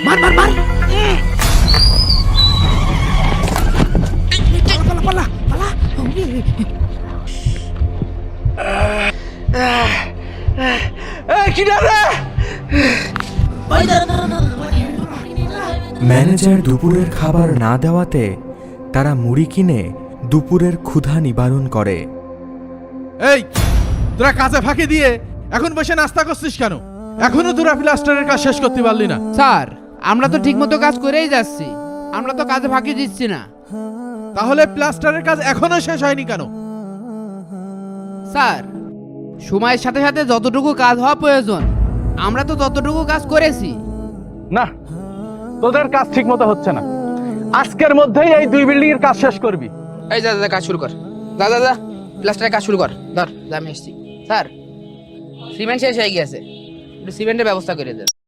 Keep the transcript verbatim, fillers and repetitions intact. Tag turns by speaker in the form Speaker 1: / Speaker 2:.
Speaker 1: মার মার মার পালা পালা পালা
Speaker 2: ম্যানেজার দুপুরের খাবার না দেওয়াতে তারা মুড়ি কিনে দুপুরের ক্ষুধা নিবারণ করে।
Speaker 3: এই তোরা কাজে ফাঁকি দিয়ে এখন বসে নাস্তা করছিস কেন? এখনো তোরা প্লাস্টারের কাজ শেষ করতে পারলি না?
Speaker 1: স্যার আমরা তো ঠিকমতো কাজ করেই যাচ্ছি, আমরা তো কাজে ফাঁকি দিচ্ছি না।
Speaker 3: তাহলে প্লাস্টারের কাজ এখনো শেষ হয়নি কেন?
Speaker 1: স্যার সময়ের সাথে সাথে যতটুকু কাজ হওয়া প্রয়োজন আমরা তো ততটুকু কাজ করেছি।
Speaker 4: না, তোদের কাজ ঠিক মতো হচ্ছে না। আজকের মধ্যেই এই দুই বিল্ডিং এর কাজ শেষ করবি।
Speaker 1: এই যা যা কাজ শুরু কর, যা যা যা প্লাস্টারের কাজ শুরু কর। ধর যা আমি এসছি। স্যার সিমেন্ট শেষ হয়ে গিয়েছে, একটু সিমেন্টের ব্যবস্থা করে দেন।